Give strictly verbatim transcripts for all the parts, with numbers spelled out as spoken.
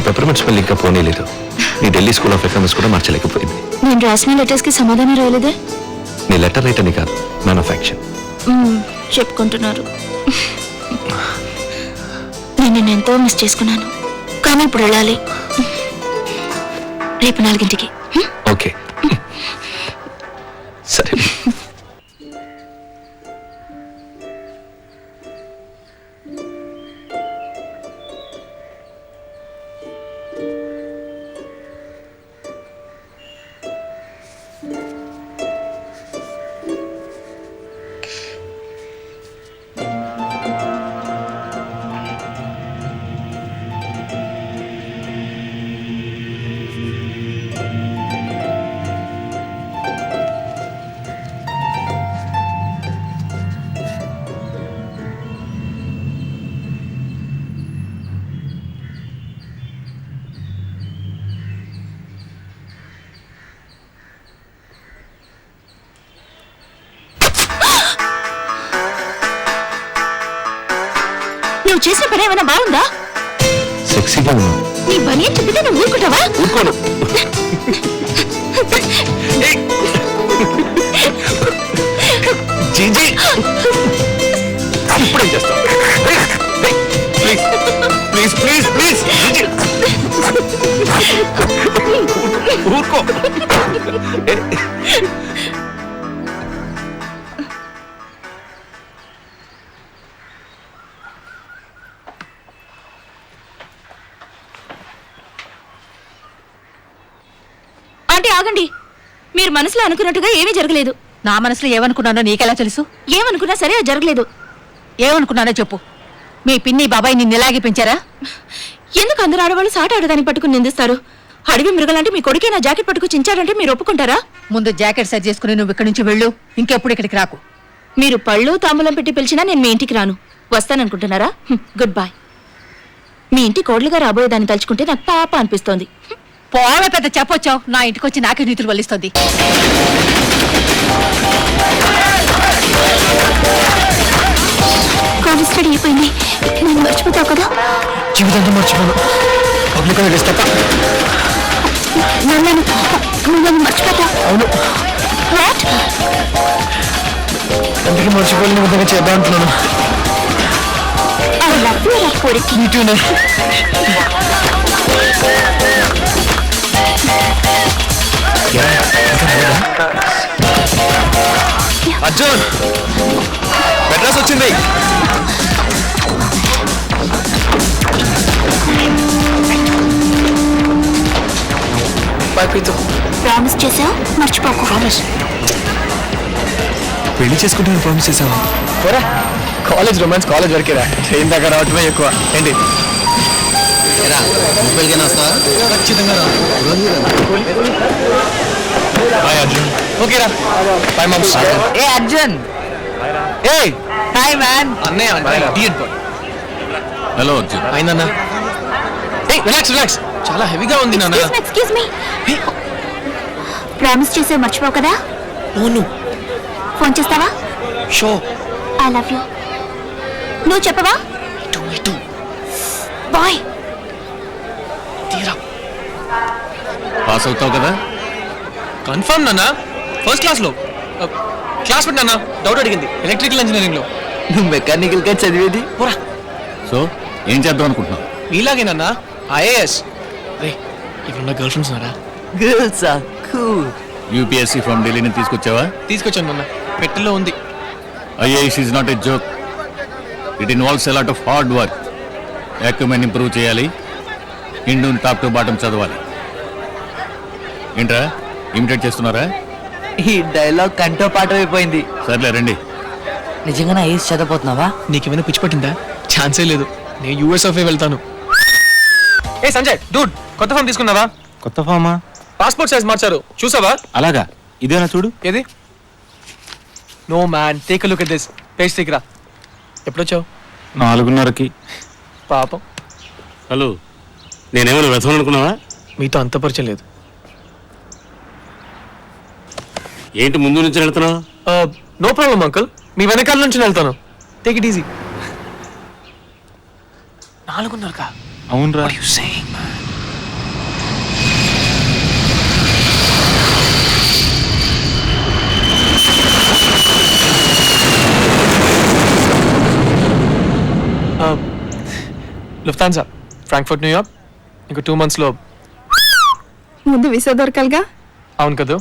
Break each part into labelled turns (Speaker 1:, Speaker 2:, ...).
Speaker 1: Peppermint smell ఇంకా పోనీలేదు. నీ Delhi school of economics కూడా మార్చలేకపోయింది.
Speaker 2: నేను రాసిన లెటర్స్ కి సమాధానం రాయలేదే.
Speaker 1: నీ లెటర్ రైట్ అని కాదు, మ్యాన్ ఆఫ్ యాక్షన్
Speaker 2: చెప్పుకుంటున్నారు. నేను నిన్ను ఎంతో మిస్ చేసుకున్నాను, కానీ ఇప్పుడు వెళ్ళాలి. రేపు నాలుగింటికి.
Speaker 1: ఓకే సరే.
Speaker 2: నువ్వు చేసిన పని ఏమైనా బాగుందా?
Speaker 1: సెక్సీగా ఉన్నావు.
Speaker 2: నీ పని ఏం చెప్పితే నువ్వు ఊరుకుంటావా?
Speaker 1: ఊరుకోను. జీజీ ఇప్పుడేం చేస్తావు? ప్లీజ్ ప్లీజ్ ప్లీజ్ ఊరుకో.
Speaker 2: ఆంటీ ఆగండి. మీరు మనసులో అనుకున్నట్టుగా ఏమీ జరగలేదు.
Speaker 3: నా మనసులో ఏమనుకున్నానో నీకెలా తెలుసు?
Speaker 2: ఏమనుకున్నా సరే అది జరగలేదు.
Speaker 3: ఏమనుకున్నానో చెప్పు. మీ పిన్ని బాబాయ్ నిన్ను ఇలాగే పెంచారా?
Speaker 2: ఎందుకు అందరు ఆడవాళ్ళు సాట ఆడదాన్ని పట్టుకుని నిందిస్తారు? అడవి మృగలాంటి మీ కొడుకే నా జాకెట్ పట్టుకు చించాడంటే మీరు ఒప్పుకుంటారా?
Speaker 3: ముందు జాకెట్ సరి చేసుకుని నువ్వు ఇక్కడి నుంచి వెళ్ళు. ఇంకెప్పుడు ఇక్కడికి రాకు.
Speaker 2: మీరు పళ్ళు తాంబూలం పెట్టి పిలిచినా నేను మీ ఇంటికి రాను. వస్తాననుకుంటున్నారా? Good bye. మీ ఇంటి కోడలుగా రాబోయేదాన్ని తలుచుకుంటే నాకు పాప అనిపిస్తోంది.
Speaker 3: పోవే పెద్ద చెప్పొచ్చావు. నా ఇంటికి వచ్చి నాకే నీతులు వల్లిస్తుంది.
Speaker 2: కాలేజ్ స్టడీ అయిపోయింది. నేను మర్చిపోతావు కదా?
Speaker 1: జీవితంతో మర్చిపోను. పబ్లిక్ హాలిడేస్ తప్ప.
Speaker 2: నన్ను నువ్వు మర్చిపోతావు?
Speaker 1: అవును.
Speaker 2: వాట్?
Speaker 1: అందుకే మర్చిపోలేని విధంగా చేద్దాం అంటున్నాను.
Speaker 2: I love you, Rakuri.
Speaker 1: Me too, ne. Arjun Madras వచ్చింది.
Speaker 2: ప్రామిస్ చేసావు, మర్చిపోకు. ప్రామిస్.
Speaker 1: పెళ్లి చేసుకుంటాను ప్రామిస్ చేసావా? పోరా, కాలేజ్ రొమాన్స్ కాలేజ్ వరకేరా. ట్రైన్ దగ్గర రావటమే ఎక్కువ. ఏంటి ఖచ్చితంగా బాయ్ అర్జున్. ఓకేరా బాయ్ మామ్స్.
Speaker 3: ఏ అర్జున్.
Speaker 1: ఏ
Speaker 3: హాయ్ మ్యాన్.
Speaker 1: అన్నయ్య. హలో అర్జున్. అయిందన్నా. ఏ రిలాక్స్ రిలాక్స్. చాలా హెవీగా ఉంది నాన్న.
Speaker 2: Excuse me. ప్రామిస్ చేసావు, మర్చిపోవు కదా?
Speaker 1: అవును.
Speaker 2: ఫోన్ చేస్తావా?
Speaker 1: షో.
Speaker 2: I love you. నువ్వు చెప్పవా? బాయ్.
Speaker 1: పాస్ అవుతావు కదా? కన్ఫర్మ్ నాన్న. ఫస్ట్ క్లాస్ లో క్లాస్ పెట్టి నాన్న డౌట్ అడిగింది ఎలక్ట్రికల్ ఇంజనీరింగ్ లో.
Speaker 4: నువ్వు మెకానికల్ గా చదివేది.
Speaker 1: పోరా.
Speaker 4: సో ఏం చేద్దాం అనుకుంటున్నావు?
Speaker 1: నీలాగేనన్నా ఐఏఎస్. రే ఇక్కడ గర్ల్ ఫ్రెండ్స్ ఉన్నారా?
Speaker 4: Girls are cool. UPSC from ఢిల్లీని తీసుకొచ్చావా?
Speaker 1: తీసుకొచ్చాను నాన్న. పెట్టెలో ఉంది.
Speaker 4: IAS is not a joke. It involves a lot of hard work. యాక్యుమెంట్ ఇంప్రూవ్ చేయాలి. హిందూని టాప్ టు బాటం చదవాలి. ఏంట్రా ఇమిటేట్ చేస్తున్నారా?
Speaker 5: ఈ డైలాగ్ కంటో పాట అయిపోయింది.
Speaker 4: సర్లే రండి.
Speaker 5: నిజంగానే ఐఎస్ చదవబోతున్నావా?
Speaker 1: నీకేమైనా పిచ్చి పట్టిందా? ఛాన్సే లేదు. నేను యూఎస్ఎఫ్ వెళ్తాను. ఏ సంజయ్ డూడ్, కొత్త ఫామ్ తీసుకున్నావా?
Speaker 4: కొత్త ఫామా?
Speaker 1: పాస్పోర్ట్ సైజ్ మార్చారు, చూసావా?
Speaker 4: అలాగా, ఇదేనా చూడు.
Speaker 1: ఏది? No man, take a look at this. Page తీయరా. ఎప్పుడొచ్చావు?
Speaker 4: నాలుగున్నరకి.
Speaker 1: పాపం.
Speaker 4: హలో, నేనేమైనా వ్యర్థం అనుకున్నావా?
Speaker 1: మీతో అంత పరిచయం లేదు.
Speaker 4: ఏంటి ముందు నుంచి వెళ్తున్నావు?
Speaker 1: నో ప్రాబ్లం అంకుల్, మీ వెనకాల నుంచి వెళ్తాను. Take it easy. నాలుగున్నరకా?
Speaker 4: అవునరా.
Speaker 1: లుఫ్తాన్సా ఫ్రాంక్ఫర్ట్ న్యూయార్క్ ఇంకో టూ మంత్స్లో.
Speaker 6: ముందు వీసా దొరకాలిగా.
Speaker 1: అవును కదా.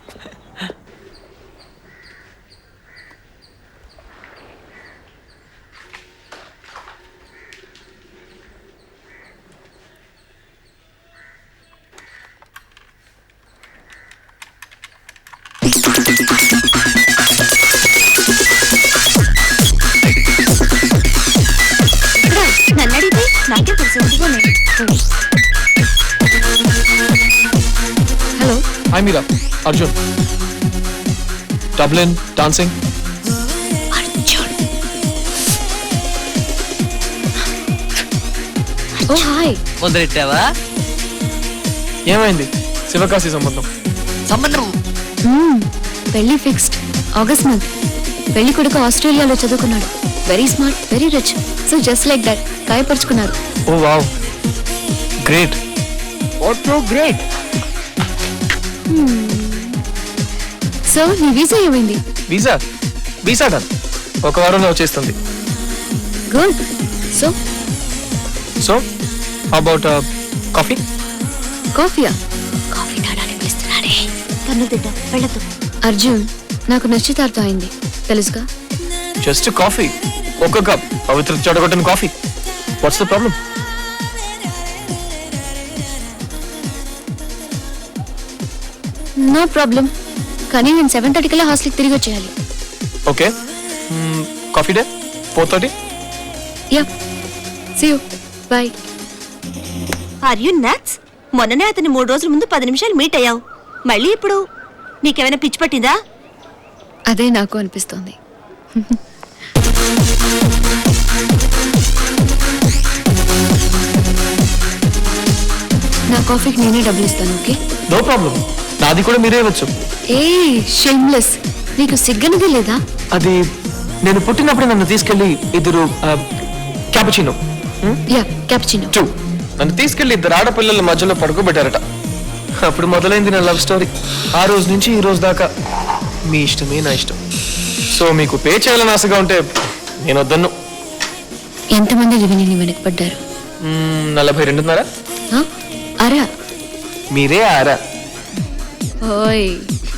Speaker 2: నన్ను అడిగితే నాకే తెలుసు. హలో,
Speaker 1: హాయ్ మీరా, అర్జున్. Dublin dancing.
Speaker 2: అర్జున్. ఓ హాయ్.
Speaker 5: మొదలెట్టావా?
Speaker 1: ఏమైంది? శివకాశి సంబంధం.
Speaker 5: సంబంధం
Speaker 2: పెళ్లి ఫిక్స్డ్. August month. పెళ్లి కొడుకు ఆస్ట్రేలియాలో చదువుకున్నాడు. Very smart, very rich. So just like that గాయపరుచుకున్నారు.
Speaker 1: ఓ wow, great.
Speaker 5: What so great.
Speaker 2: So నీ వీసా ఏమైంది?
Speaker 1: Visa visa done. ఒక వారంలో వచ్చేస్తుంది.
Speaker 2: Good. So
Speaker 1: so about coffee.
Speaker 2: కాఫీయా? కాఫీ తాడానికి పిలుస్తున్నాడే. కన్ను తింటా, వెళ్ళదు. అర్జున్, నాకు నిశ్చితార్థం అయింది తెలుసుగా.
Speaker 1: జస్ట్ కాఫీ, ఒక కప్ పవిత్ర చెడగొట్టిన coffee. What's the problem?
Speaker 2: No problem. కానీ నేను సెవెన్ థర్టీ కల్లా హాస్టల్కి తిరిగి వచ్చేయాలి.
Speaker 1: Okay, coffee day four thirty.
Speaker 2: Yeah, see you, bye.
Speaker 7: Are you nuts? మొన్ననే అతని మూడు రోజుల ముందు పది నిమిషాలు మీట్ అయ్యావు. మళ్ళీ ఇప్పుడు నీకేమైనా పిచ్చి పట్టిందా?
Speaker 2: అదే నాకు అనిపిస్తోంది. నా కాఫీకి నేనే డబ్బులు ఇస్తాను. Okay,
Speaker 1: no problem. నాది కూడా మీరే ఇవ్వచ్చు.
Speaker 2: ఏ షేమ్లెస్, నీకు సిగ్గనిది లేదా?
Speaker 1: అది నేను పుట్టినప్పుడు నన్ను తీసుకెళ్లి ఇద్దరు క్యాపుచినో
Speaker 2: యా, క్యాపుచినో.
Speaker 1: టూ నన్ను తీసుకెళ్లి ఇద్దరు ఆడపిల్లల మధ్యలో పడుకోబెట్టారట. అప్పుడు మొదలైంది నా లవ్ స్టోరీ. ఆ రోజు నుంచి ఈ రోజు దాకా మీ ఇష్టమే నా ఇష్టం. సో మీకు పే చేయాలని ఆశగా ఉంటే నేను వద్దన్ను.
Speaker 2: ఎంతమంది విని నీ వెనకపడ్డారు?
Speaker 1: మ్మ్, నలభై రెండున్నర.
Speaker 2: ఆ? అరా
Speaker 1: మీరే ఆరా.
Speaker 2: ఓయ్,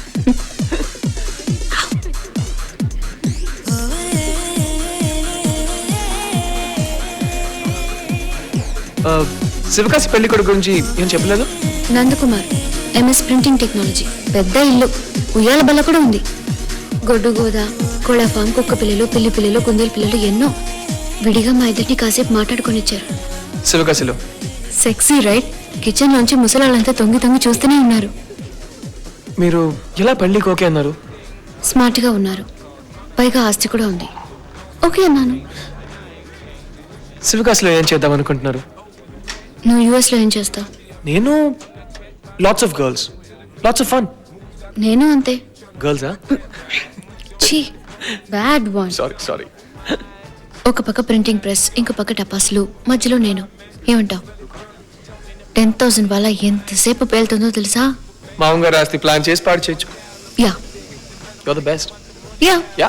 Speaker 1: ఆ, శివకాశి పెళ్లి కొడుకు గురించి ఏం చెప్పలేదు?
Speaker 2: Nandakumar, MS printing technology. పెద్ద ఇల్లు, ఉయ్యాల బల్ల కూడా ఉంది. గొడ్డు గోద, కోళ్ళ ఫామ్, కుక్క పిల్లలు, పిల్లి పిల్లలు, కుందేలు పిల్లలు ఎన్నో. విడిగా మా ఇద్దరిని కాసేపు మాట్లాడుకొని ఇచ్చారు.
Speaker 1: శివకాశిలో
Speaker 2: సెక్సీ రైట్. కిచెన్ లోంచి ముసలాళ్ళంతా తొంగి తొంగి చూస్తూనే ఉన్నారు.
Speaker 1: మీరు ఎలా పెళ్లికి ఓకే అన్నారు?
Speaker 2: స్మార్ట్ గా ఉన్నారు, పైగా ఆస్తి కూడా ఉంది. ఓకే అన్నాను.
Speaker 1: శివకాశిలో ఏం చేద్దాం అనుకుంటున్నారు?
Speaker 2: నువ్వు యుఎస్ లో ఏం చేస్తావు?
Speaker 1: నేను lots of girls, lots of fun.
Speaker 2: నేను అంతే.
Speaker 1: గర్ల్సా?
Speaker 2: ఛీ, బ్యాడ్ వన్.
Speaker 1: Sorry sorry.
Speaker 2: ఒక పక్క ప్రింటింగ్ ప్రెస్, ఇంకో పక్క టపాసులు, మధ్యలో నేను. ఏమంటావు? టెన్ థౌసండ్ వాళ్ళ ఎంతసేపు పేలుతుందో తెలుసా?
Speaker 1: మామగారు ఆస్తి ప్లాన్ చేసి పాడు చేయొచ్చు.
Speaker 2: Yeah
Speaker 1: your the best.
Speaker 2: Yeah
Speaker 1: yeah.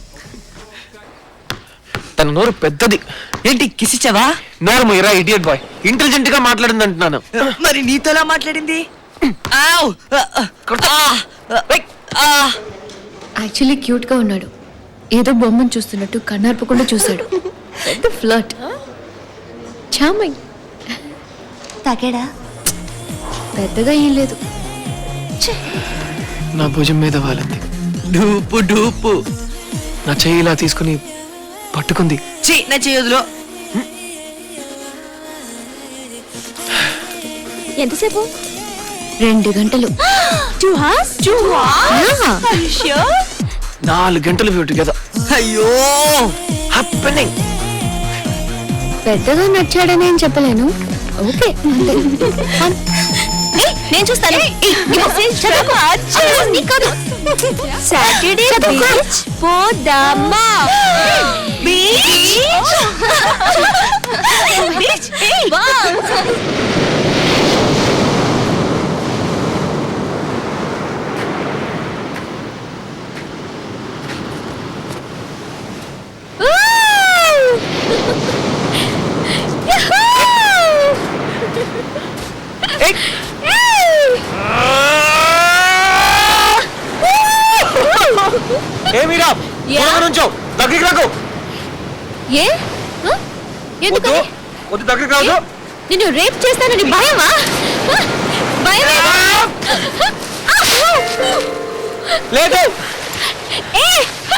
Speaker 1: తన నోరు పెద్దది.
Speaker 5: ఏంటి కిసిచ్చావా?
Speaker 1: నోరు మీరా ఇడియట్ బాయ్. ఇంటెలిజెంట్ గా మాట్లాడింది అంటున్నాను.
Speaker 5: మరి నీతోలా మాట్లాడింది? ఆవ్!
Speaker 2: యాక్చువల్లీ క్యూట్ గా ఉన్నాడు. ఏదో బొమ్మను చూస్తున్నట్టు కన్నార్పకుండా చూశాడు. పెద్ద ఫ్లర్ట్. చామై
Speaker 7: తాగాడా?
Speaker 2: పెద్దగా ఏం లేదు.
Speaker 1: నా భుజం మీద వాలింది.
Speaker 5: డూపు డూపు.
Speaker 1: నా చెయ్యి ఇలా తీసుకుని పట్టుకుంది.
Speaker 5: ఛీ, నా చేయదులో.
Speaker 7: ఎంతసేపు?
Speaker 2: రెండు గంటలు.
Speaker 7: Two hours? Two hours?
Speaker 1: నాలుగు గంటలు వ్యూ టుగెదర్.
Speaker 5: అయ్యో,
Speaker 1: హ్యాపెనింగ్.
Speaker 2: పెద్దగా నచ్చాడని ఏం చెప్పలేను. ఓకే అంతే.
Speaker 7: నేను చూస్తాను. సాటర్డే బీచ్ పోదామా? Beach beach.
Speaker 2: Yahoo! యా?
Speaker 1: దూరంగా నుంచో దగ్గరికి రాకు
Speaker 2: ఏ ఆ?
Speaker 1: వద్దు
Speaker 2: ఎందుకని
Speaker 1: వద్దు దగ్గరికి రాదు
Speaker 2: నిన్ను రేప్ చేస్తానని భయమా ఆ? భయమేనా?
Speaker 1: లేదు
Speaker 2: ఏ!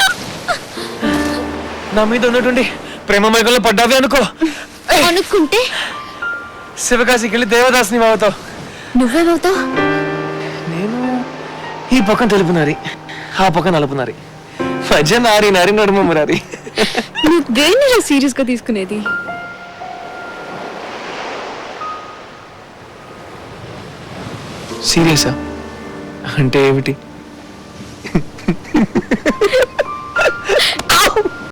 Speaker 1: నా మీద ఉన్నటువంటి ప్రేమ మైకంలో పడ్డావి అనుకో ఏయ్,
Speaker 2: అనుకుంటే
Speaker 1: శివకాశికి వెళ్ళి దేవదాస్ని అవుతావు
Speaker 2: నువ్వేమవుతావు?
Speaker 1: నేను ఈ పక్కన తెలుపు నారి ఆ పక్కన నలుపు నారి మధ్య నారి నారి నడుమ మురారి
Speaker 6: నువ్వు దేన్ని సీరియస్ గా తీసుకునేది?
Speaker 1: సీరియసా అంటే ఏమిటి?